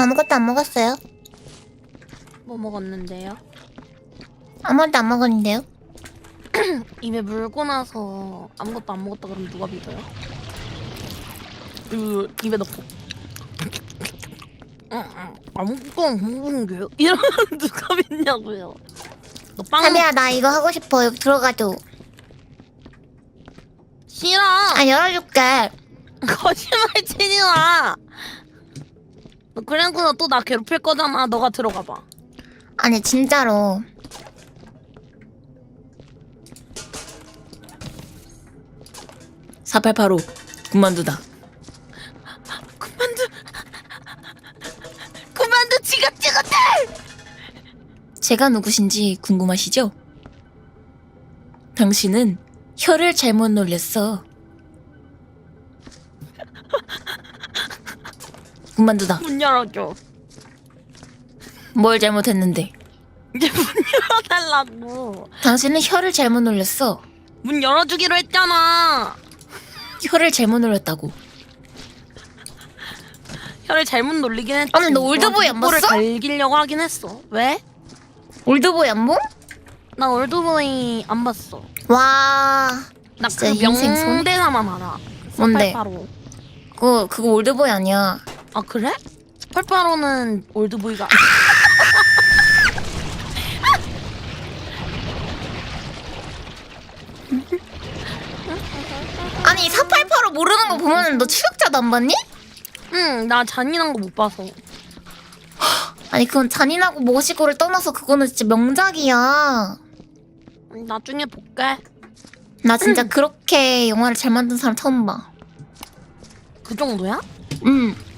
아무것도 안 먹었어요. 뭐 먹었는데요? 아무것도 안 먹었는데요. 입에 물고 나서 아무것도 안 먹었다 그러면 누가 믿어요? 입에 넣고 아무것도 안 먹은 게요? 이러면 누가 믿냐고요? 너 빵 사비야 나 이거 하고 싶어. 여기 들어가줘. 싫어! 아 열어줄게. 거짓말치지 마! 너 그래놓고 또 나 괴롭힐 거잖아. 너가 들어가 봐. 아니 진짜로. (4885) 군만두다. 그만두 지긋지긋해! 제가 누구신지 궁금하시죠? 당신은 혀를 잘못 놀렸어. 군만두다. 문 열어줘. 뭘 잘못했는데? 이제 문 열어달라고. 당신은 혀를 잘못 놀렸어. 문 열어주기로 했잖아. 혀를 잘못 놀렸다고. 혀를 잘못 놀리긴 했지. 아니, 너 올드보이 안 를 봤어? 갈기려고 하긴 했어. 왜? 올드보이 안 보? 나 올드보이 안 봤어. 와. 나 진짜 그 인생 손? 명대사만 알아. 뭔데? 4885. 그거 올드보이 아니야. 아 그래? 4885는 올드보이가 아니 4885 모르는 거 보면은 너 추격자도 안 봤니? 응, 나 잔인한 거 못 봐서. 아니 그건 잔인하고 멋이고를 떠나서 그거는 진짜 명작이야. 나중에 볼게. 나 진짜 그렇게 영화를 잘 만든 사람 처음 봐. 그 정도야? 응.